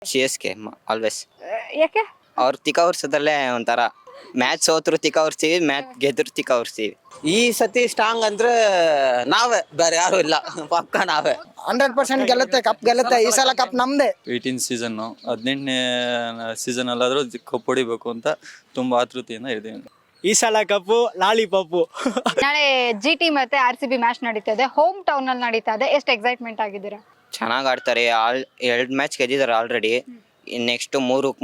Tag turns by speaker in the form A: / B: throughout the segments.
A: C S K always.
B: ಯಾಕೆ?
A: ಅವ್ರು ತಿಕ್ಕ ವರ್ಷದಲ್ಲೇ ಒಂಥರ ಮ್ಯಾಚ್ ಸೋತ್ರು ತಿಕ್ಕ ಹೊರ್ಸ್ತೀವಿ, ಮ್ಯಾಚ್ ಗೆದ್ರು ತಿಕ್ಕ ಹೊರ್ಸ್ತೀವಿ.
C: ಈ ಸತಿ ಸ್ಟ್ರಾಂಗ್ ಅಂದ್ರೆ ನಾವೇ, ಬೇರೆ ಯಾರು ಇಲ್ಲ. ಪಕ್ಕ ನಾವೇ
D: 100% ಗೆಲ್ಲುತ್ತೆ, ಕಪ್ ಗೆಲ್ಲುತ್ತೆ. ಈ ಸಲ ಕಪ್ ನಮ್ದೇ.
E: 18 ಸೀಸನ್ನು 18ನೇ ಸೀಸನ್ ಅಲ್ಲಾದ್ರೂ ಕಪ್ ಹೊಡಿಬೇಕು ಅಂತ ತುಂಬಾ ಆತೃತೆಯಿಂದ ಇದ್ದೀವಿ.
F: ಈ ಸಲ ಕಪ್ಪು ಲಾಲಿಪಾಪು.
B: ನಾಳೆ GT ಮತ್ತೆ RCB ಮ್ಯಾಚ್ ನಡೀತಾ ಇದೆ, ಹೋಮ್ ಟೌನ್ ಅಲ್ಲಿ ನಡೀತಾ ಇದೆ. ಎಷ್ಟು ಎಕ್ಸೈಟ್ಮೆಂಟ್ ಆಗಿದ್ದೀರಾ?
A: ಚೆನ್ನಾಗಿ ಆಡ್ತಾರೆ. 2 ಮ್ಯಾಚ್ ಗೆದ್ದಿದ್ದಾರೆ ಆಲ್ರೆಡಿ. ನೆಕ್ಸ್ಟ್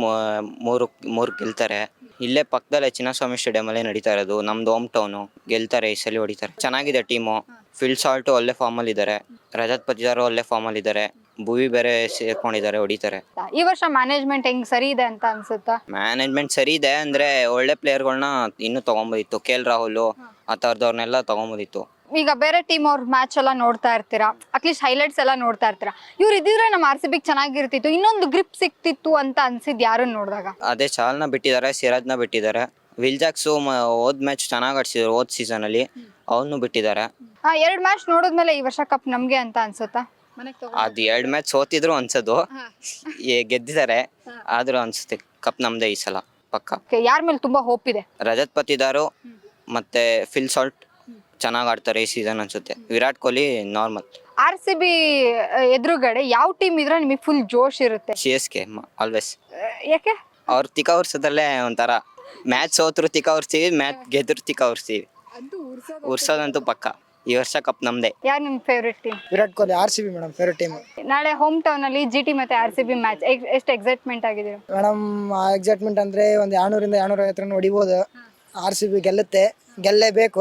A: ಮೂರು ಗೆಲ್ತಾರೆ. ಇಲ್ಲೇ ಪಕ್ಕದಲ್ಲೇ ಚಿನ್ನಸ್ವಾಮಿ ಸ್ಟೇಡಿಯಂ ಅಲ್ಲೇ ನಡೀತಾ ಇರೋದು. ನಮ್ದು ಹೋಮ್ ಟೌನು. ಗೆಲ್ತಾರೆ, ಈ ಸಲ ಹೊಡಿತಾರೆ. ಚೆನ್ನಾಗಿದೆ ಟೀಮು. ಫಿಲ್ ಸಾಲ್ಟು ಒಳ್ಳೆ ಫಾರ್ಮ್ ಅಲ್ಲಿ ಇದ್ದಾರೆ. ರಜತ್ ಪತಿದಾರು ಒಳ್ಳೆ ಫಾರ್ಮ್ ಅಲ್ಲಿ ಇದ್ದಾರೆ. ಭುವಿ ಬೇರೆ ಸೇರ್ಕೊಂಡಿದ್ದಾರೆ, ಹೊಡಿತಾರೆ.
B: ಈ ವರ್ಷ ಮ್ಯಾನೇಜ್ಮೆಂಟ್ ಹೆಂಗ್ ಸರಿ ಇದೆ ಅಂತ ಅನ್ಸುತ್ತಾ?
A: ಮ್ಯಾನೇಜ್ಮೆಂಟ್ ಸರಿ ಇದೆ ಅಂದ್ರೆ ಒಳ್ಳೆ ಪ್ಲೇಯರ್ಗಳನ್ನ ಇನ್ನೂ ತಗೊಂಬೋದಿತ್ತು. KL ರಾಹುಲ್ ಆ ಥರದವ್ರನ್ನೆಲ್ಲ ತಗೊಂಬೋದಿತ್ತು.
B: ಈಗ ಬೇರೆ ಟೀಮ್ ಅವ್ರ ಮ್ಯಾಚ್ ಎಲ್ಲ ನೋಡ್ತಾ ಇರ್ತೀರಾ, ಅಟ್ಲೀಸ್ಟ್ ಹೈಲೈಟ್ಸ್ ಎಲ್ಲ ನೋಡ್ತಾ ಇರ್ತೀರಾ. ಇವ್ರು ಇದ್ದಿದ್ರೆ ನಮ್ಮ RCB ಚೆನ್ನಾಗಿರ್ತಿತ್ತು, ಇನ್ನೊಂದು ಗ್ರಿಪ್ ಸಿಕ್ತಿತ್ತು ಅಂತ ಅನ್ಸಿದ್ ಯಾರನ್ನ ನೋಡಿದಾಗ?
A: ಅದೇ ಚಾಲ್ನ ಬಿಟ್ಟಿದ್ದಾರೆ, ಸಿರಾಜ್ನ ಬಿಟ್ಟಿದ್ದಾರೆ. ವಿಲ್ಜಾಕ್ಸು ಹೋದ್ ಮ್ಯಾಚ್ ಚೆನ್ನಾಗಿ ಆಡ್ಸಿದ್ರು ಹೋದ್ ಸೀಸನ್ ಅಲ್ಲಿ, ಅವನು ಬಿಟ್ಟಿದ್ದಾರೆ.
B: 2 ಮ್ಯಾಚ್ ನೋಡಿದ್ಮೇಲೆ ಈ ವರ್ಷ ಕಪ್ ನಮ್ಗೆ ಅಂತ ಅನ್ಸುತ್ತಾ?
A: ಅದು 2 ಮ್ಯಾಚ್ ಸೋತಿದ್ರು ಅನ್ಸೋದು, ಗೆದ್ದಿದ್ದಾರೆ. ಆದ್ರೂ ಅನ್ಸುತ್ತೆ ಕಪ್ ನಮ್ದೇ ಈ ಸಲ ಪಕ್ಕ.
B: ಯಾರ ಮೇಲೆ ತುಂಬಾ ಹೋಪ್ ಇದೆ?
A: ರಜತ್ ಪತಿದಾರು ಮತ್ತೆ ಫಿಲ್ ಸಾಲ್ಟ್ ಚೆನ್ನಾಗಿ ಆಡ್ತಾರೆ ಈ ಸೀಸನ್ ಅನ್ಸುತ್ತೆ. ವಿರಾಟ್ ಕೊಹ್ಲಿ ನಾರ್ಮಲ್.
B: RCB ಎದುರುಗಡೆ ಯಾವ ಟೀಮ್ ಇದ್ರೆ ನಿಮಗೆ ಫುಲ್ ಜೋಶ್ ಇರುತ್ತೆ?
A: CSK always.
B: ಯಾಕೆ?
A: ಅವ್ರು ತಿಕ್ಕ ವರ್ಷದಲ್ಲೇ ಒಂಥರ ಮ್ಯಾಚ್ ಸೋತ್ರು ತಿಕ್ಕ ಹೊರ್ಸ್ತೀವಿ, ಮ್ಯಾಚ್ ಗೆದ್ರು ತಿಕ್ಕ ಹೊರ್ಸ್ತೀವಿ. ಉರ್ಸೋದಂತೂ ಪಕ್ಕ. ಈ ವರ್ಷ ಕಪ್ ನಮ್ದೇ.
B: ಯಾರು ನಿಮ್ favourite team?
D: Virat Kohli, RCB madam favourite team.
B: ನಾಳೆ ಹೋಮ್ ಟೌನ್ ಅಲ್ಲಿ GT ಮತ್ತೆ RCB ಮ್ಯಾಚ್, ಎಷ್ಟು ಎಕ್ಸೈಟ್ಮೆಂಟ್ ಆಗಿದ್ದೀರಾ?
D: ಮೇಡಮ್ ಎಕ್ಸೈಟ್ಮೆಂಟ್ ಅಂದ್ರೆ ಒಂದು 200ರಿಂದ 250 ರನ್ ಹೊಡಿಬೋದು. RCB ಗೆಲ್ಲುತ್ತೆ, ಗೆಲ್ಲೇಬೇಕು.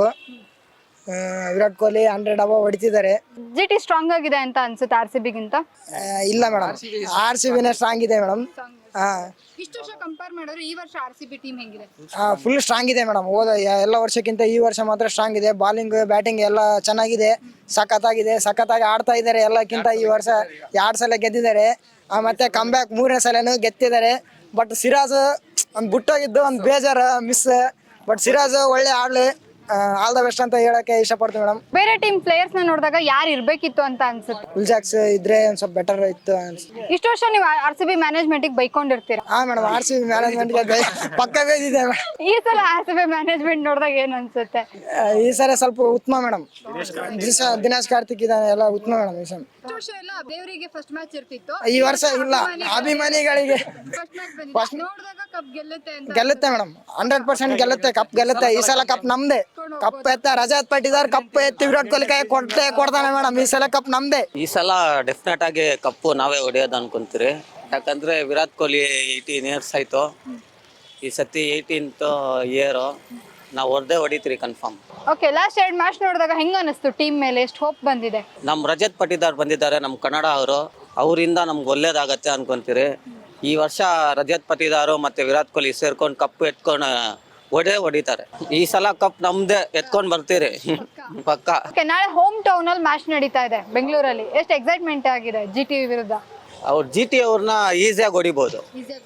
D: ವಿರಾಟ್ ಕೊಹ್ಲಿ 100 ಅಬೌವ್ ಹೊಡಿತಿದ್ದಾರೆ.
B: GT ಸ್ಟ್ರಾಂಗ್ ಆಗಿದೆ ಅಂತ ಅನ್ಸುತ್ತೆ RCB ಗಿಂತ?
D: ಇಲ್ಲ ಮೇಡಮ್, RCBನೇ ಸ್ಟ್ರಾಂಗ್ ಇದೆ ಮೇಡಮ್.
B: ಇಷ್ಟು ವರ್ಷ ಕಂಪೇರ್ ಮಾಡಿದ್ರೆ ಈ ವರ್ಷ RCB ಟೀಮ್ ಹೆಂಗಿದೆ?
D: ಫುಲ್ ಸ್ಟ್ರಾಂಗ್ ಇದೆ ಮೇಡಮ್. ಎಲ್ಲ ವರ್ಷಕ್ಕಿಂತ ಈ ವರ್ಷ ಮಾತ್ರ ಸ್ಟ್ರಾಂಗ್ ಇದೆ. ಬಾಲಿಂಗ್ ಬ್ಯಾಟಿಂಗ್ ಎಲ್ಲ ಚೆನ್ನಾಗಿದೆ, ಸಖತ್ತಾಗಿ ಆಡ್ತಾ ಇದ್ದಾರೆ. ಎಲ್ಲಕ್ಕಿಂತ ಈ ವರ್ಷ 2 ಸಲ ಗೆದ್ದಿದ್ದಾರೆ. ಮತ್ತೆ ಕಮ್ಬ್ಯಾಕ್ 3ನೇ ಸಲನೂ ಗೆದ್ದಿದ್ದಾರೆ. ಬಟ್ ಸಿರಾಜ್ ಒಂದು ಬಿಟ್ಟೋಗಿದ್ದು ಒಂದು ಬೇಜಾರು ಮಿಸ್. ಬಟ್ ಸಿರಾಜ್ ಒಳ್ಳೆ ಆಡ್ಲಿ, ಆಲ್ ದ ಬೆಸ್ಟ್ ಅಂತ ಹೇಳಕ್ಕೆ ಇಷ್ಟಪಡ್ತೀವಿ ಮೇಡಮ್.
B: ಬೇರೆ ಟೀಮ್ ಪ್ಲೇಯರ್ಸ್ ನ ನೋಡಿದಾಗ ಯಾರು ಇರ್ಬೇಕಿತ್ತು ಅಂತ ಅನ್ಸುತ್ತೆ?
D: ವಿಲ್ಜಾಕ್ಸ್ ಇದ್ರೆ ಒಂದ್ ಸ್ವಲ್ಪ ಬೆಟರ್ ಇತ್ತು ಅನ್ಸುತ್ತೆ.
B: ಇಷ್ಟು ವರ್ಷ ನೀವು RCB ಮ್ಯಾನೇಜ್ಮೆಂಟ್ ಬೈಕೊಂಡಿರ್ತೀರಾ?
D: ಮೇಡಮ್, RCB ಮ್ಯಾನೇಜ್ಮೆಂಟ್ ಪಕ್ಕ ಬೇದಿದೆ.
B: ಈ ಸಲ RCB ಮ್ಯಾನೇಜ್ಮೆಂಟ್ ನೋಡಿದಾಗ ಏನ್ ಅನ್ಸುತ್ತೆ?
D: ಈ ಸಲ ಸ್ವಲ್ಪ ಉತ್ತಮ ಮೇಡಮ್. ದಿನೇಶ್ ಕಾರ್ತಿಕ್ ಇದಾನೆ, ಎಲ್ಲ ಉತ್ತಮ ಮೇಡಮ್. ಈ ಸಲ
B: ದೇವರಿಗೆ ಫಸ್ಟ್ ಮ್ಯಾಚ್ ಇರ್ತಿತ್ತು,
D: ಈ ವರ್ಷ ಇಲ್ಲ. ಅಭಿಮಾನಿಗಳಿಗೆ ಗೆಲ್ಲುತ್ತೆ ಮೇಡಮ್, 100% ಗೆಲ್ಲುತ್ತೆ, ಕಪ್ ಗೆಲ್ಲುತ್ತೆ. ಈ ಸಲ ಕಪ್ ನಮ್ದೇ. ಕಪ್ ಎತ್ತ ರಜತ್ ಪಟ್ಟಿದಾರ್, ಕಪ್ ಎತ್ತಿ ವಿರಾಟ್ ಕೊಹ್ಲಿ ಕೈ ಕೊಡ್ತಾನೆ ಮೇಡಮ್. ಈ ಸಲ ಕಪ್ ನಮ್ದೇ.
C: ಈ ಸಲ ಡೆಫಿನೆಟ್ ಆಗಿ ಕಪ್ಪು ನಾವೇ ಹೊಡೆಯೋದು ಅನ್ಕೊಂತೀರಿ. ಯಾಕಂದ್ರೆ ವಿರಾಟ್ ಕೊಹ್ಲಿ 18 ಇಯರ್ಸ್ ಆಯ್ತು. ಈ ಸತಿ 18th ಇಯರ್ ನಾವು ಹೊಡಿತೀರಿ ಕನ್ಫರ್ಮ್.
B: ಓಕೆ, ಲಾಸ್ಟ್ 2 ಮ್ಯಾಚ್ ನೋಡಿದಾಗ ಹೆಂಗ ಅನಿಸ್ತು? ಟೀಮ್ ಮೇಲೆ ಎಷ್ಟು ಹೋಪ್ ಬಂದಿದೆ?
C: ನಮ್ಮ ರಜತ್ ಪಟ್ಟಿದಾರ್ ಬಂದಿದ್ದಾರೆ, ನಮ್ಮ ಕನ್ನಡ ಅವರಿಂದ ನಮ್ಗೆ ಒಳ್ಳೇದಾಗತ್ತೆ ಅನ್ಕೊಂತೀರಿ. ಈ ವರ್ಷ ರಜತ್ ಪಟ್ಟಿದಾರು ಮತ್ತೆ ವಿರಾಟ್ ಕೊಹ್ಲಿ ಸೇರ್ಕೊಂಡು ಕಪ್ಪು ಎತ್ಕೊಂಡು ಹೊಡಿತಾರೆ. ಈ ಸಲ ಕಪ್ ನಮ್ದೇ, ಎತ್ಕೊಂಡ್ ಬರ್ತೀರಿ ಪಕ್ಕ.
B: ನಾಳೆ ಹೋಮ್ ಟೌನ್ ಅಲ್ಲಿ ಮ್ಯಾಚ್ ನಡೀತಾ ಇದೆ ಬೆಂಗಳೂರಲ್ಲಿ. ಎಷ್ಟು ಎಕ್ಸೈಟ್ಮೆಂಟ್ ಆಗಿದೆ GT ವಿರುದ್ಧ?
C: ಅವ್ರು GT ಅವ್ರನ್ನ ಈಸಿಯಾಗಿ ಹೊಡಿಬೋದು.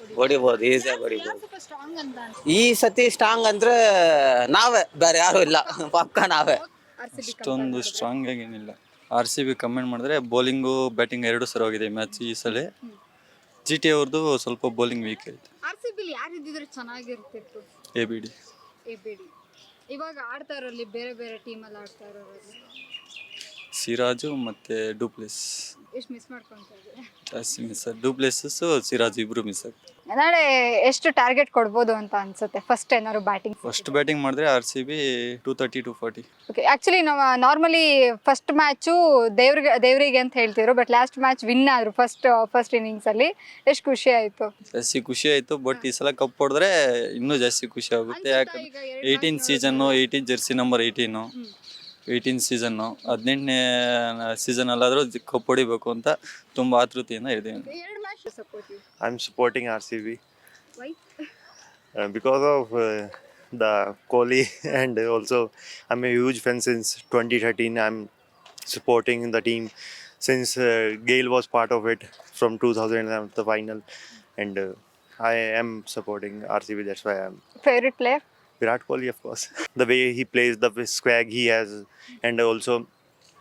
C: ಈ ಸತಿ ಸ್ಟ್ರಾಂಗ್ ಅಂದ್ರೆ ನಾವೇ, ಬೇರೆ ಯಾರು ಇಲ್ಲ. ಪಕ್ಕ ನಾವೇ.
E: ಅಷ್ಟೊಂದು ಸ್ಟ್ರಾಂಗ್ ಆಗೇನಿಲ್ಲ. RCB ಕಮೆಂಟ್ ಮಾಡಿದ್ರೆ ಬೌಲಿಂಗು ಬ್ಯಾಟಿಂಗ್ 2 ಸರಿ ಹೋಗಿದೆ ಮ್ಯಾಚ್ ಈ ಸಲ. GT ಅವ್ರದ್ದು ಸ್ವಲ್ಪ ಬೌಲಿಂಗ್ ವೀಕ್ ಐತೆ.
B: RCB ಯಾರು ಇದ್ದಿದ್ರೆ ಚೆನ್ನಾಗಿರ್ತಿತ್ತು?
E: ABD.
B: ಇವಾಗ ಆಡ್ತಾ ಇರೋಲ್ಲಿ ಬೇರೆ ಬೇರೆ ಟೀಮ್ ಅಲ್ಲಿ ಆಡ್ತಾ ಇರೋರಲ್ಲಿ
E: ಸಿರಾಜು ಮತ್ತೆ ಡೂಪ್ಲೆಸ್.
B: ಎಷ್ಟು ಮಿಸ್ ಮಾಡ್ಕೊಂತಾ ಇದ್ದಾರೆ?
E: ಜಾಸ್ತಿ ಮಿಸ್. ಡೂಪ್ಲೆಸಸ್ ಸಿರಾಜ್ ಇಬ್ರು ಮಿಸ್ ಆಗ್ತಾರೆ.
B: ನಾಳೆ ಎಷ್ಟು ಟಾರ್ಗೆಟ್ ಕೊಡ್ಬೋದು ಅಂತ ಅನ್ಸುತ್ತೆ? ಫಸ್ಟ್ ಏನಾದ್ರು ಬ್ಯಾಟಿಂಗ್
E: ಮಾಡಿದ್ರೆ RCB 230-240.
B: ಓಕೆ, ಆಕ್ಚುಲಿ ನಾವು ನಾರ್ಮಲಿ ಫಸ್ಟ್ ಮ್ಯಾಚು ದೇವ್ರಿಗೆ ಅಂತ ಹೇಳ್ತಿದ್ರು, ಬಟ್ ಲಾಸ್ಟ್ ಮ್ಯಾಚ್ ವಿನ್ ಆದ್ರು ಫಸ್ಟ್ ಇನ್ನಿಂಗ್ಸ್ ಅಲ್ಲಿ. ಎಷ್ಟು ಖುಷಿ ಆಯ್ತು?
E: ಜಾಸ್ತಿ ಖುಷಿ ಆಯ್ತು. ಬಟ್ ಈ ಸಲ ಕಪ್ ಹೊಡೆದ್ರೆ ಇನ್ನೂ ಜಾಸ್ತಿ ಖುಷಿ ಆಗುತ್ತೆ. ಯಾಕಂದ್ರೆ 18 ಸೀಸನ್ನು, 18 ಜೆರ್ಸಿ ನಂಬರ್ 18 ಸೀಸನ್ನು 18ನೇ ಸೀಸನ್ ಅಲ್ಲಾದ್ರೂ ಕಪ್ ಹೊಡಿಬೇಕು ಅಂತ ತುಂಬಾ ಆತೃತೆಯಿಂದ ಇದ್ದೀವಿ.
G: I'm supporting RCB. Why? Because of the Kohli and also I'm a huge fan since 2013. I'm supporting the team since Gale was part of it from 2011 the final, and I am supporting RCB. That's why I'm.
B: Favorite player?
G: Virat Kohli, of course. The way he plays, the swag he has, and also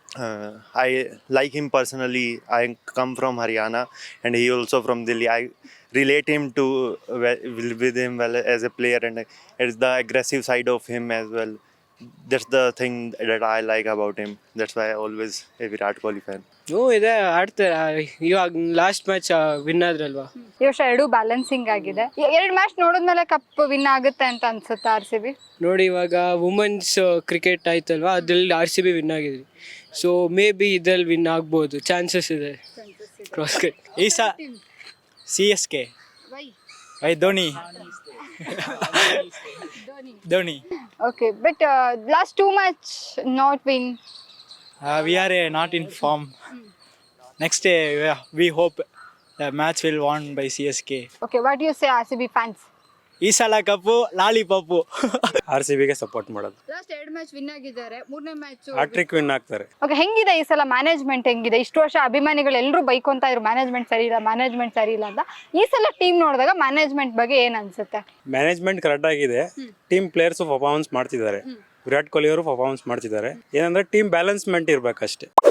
G: I like him personally. I come from Haryana, and he also from Delhi. I relate him to with him well as a player, and it's the aggressive side of him as well. That's the thing that I like about him. That's why I always a Virat Kohli fan.
F: ಹ್ಞೂ ಇದೆ ಆಡ್ತಾರೆ ಇವಾಗ last match win ಆದ್ರಲ್ವಾ.
B: ಈ ವರ್ಷ ಎರಡು balancing ಆಗಿದೆ. ಎರಡು match ನೋಡಿದ್ಮೇಲೆ ಕಪ್ ವಿನ್ ಆಗುತ್ತೆ ಅಂತ ಅನ್ಸುತ್ತೆ ಆರ್ ಸಿ ಬಿ.
F: ನೋಡಿ ಇವಾಗ ವುಮೆನ್ಸ್ ಕ್ರಿಕೆಟ್ ಆಯ್ತಲ್ವಾ, ಅದ್ರಲ್ಲಿ RCB ವಿನ್ ಆಗಿದ್ರಿ. ಸೊ ಮೇ ಬಿ ಇದ್ರಲ್ಲಿ ವಿನ್ ಆಗ್ಬೋದು, ಚಾನ್ಸಸ್ ಇದೆ. ಕ್ರಾಸ್
E: ಈ CSK why Dhoni Dhoni
B: okay, but last 2 match not win.
E: we are not in form. Next day we hope the match will won by CSK.
B: Okay, what you say RCB fans?
E: ಈ ಸಲ cup lollipop.
H: RCBಗೆ support ಮಾಡೋದು.
B: Last 2 match win ಆಗಿದ್ದಾರೆ, 3ನೇ match
H: hat-trick win ಆಗ್ತಾರೆ.
B: Okay, ಹೆಂಗಿದೆ ಈ ಸಲ ಮ್ಯಾನೇಜ್ಮೆಂಟ್ ಹೆಂಗಿದೆ? ಇಷ್ಟು ವರ್ಷ ಅಭಿಮಾನಿಗಳು ಎಲ್ಲರೂ ಬೈಕೊಂತ ಇದ್ರು ಮ್ಯಾನೇಜ್ಮೆಂಟ್ ಸರಿ ಇಲ್ಲ ಅಂತ. ಈ ಸಲ ಟೀಮ್ ನೋಡಿದಾಗ ಮ್ಯಾನೇಜ್ಮೆಂಟ್ ಬಗ್ಗೆ ಏನ್ ಅನ್ಸುತ್ತೆ?
H: ಮ್ಯಾನೇಜ್ಮೆಂಟ್ ಕರೆಕ್ಟ್ ಆಗಿದೆ. ಟೀಮ್ ಪ್ಲೇಯರ್ಸ್ ಪರ್ಫಾರ್ಮೆನ್ಸ್ ಮಾಡ್ತಿದ್ದಾರೆ. ವಿರಾಟ್ ಕೊಹ್ಲಿ ಅವರು ಪರ್ಫಾರ್ಮೆನ್ಸ್ ಮಾಡ್ತಿದ್ದಾರೆ. ಏನಂದ್ರೆ ಟೀಮ್ ಬ್ಯಾಲೆನ್ಸ್ಮೆಂಟ್ ಇರ್ಬೇಕಷ್ಟೇ.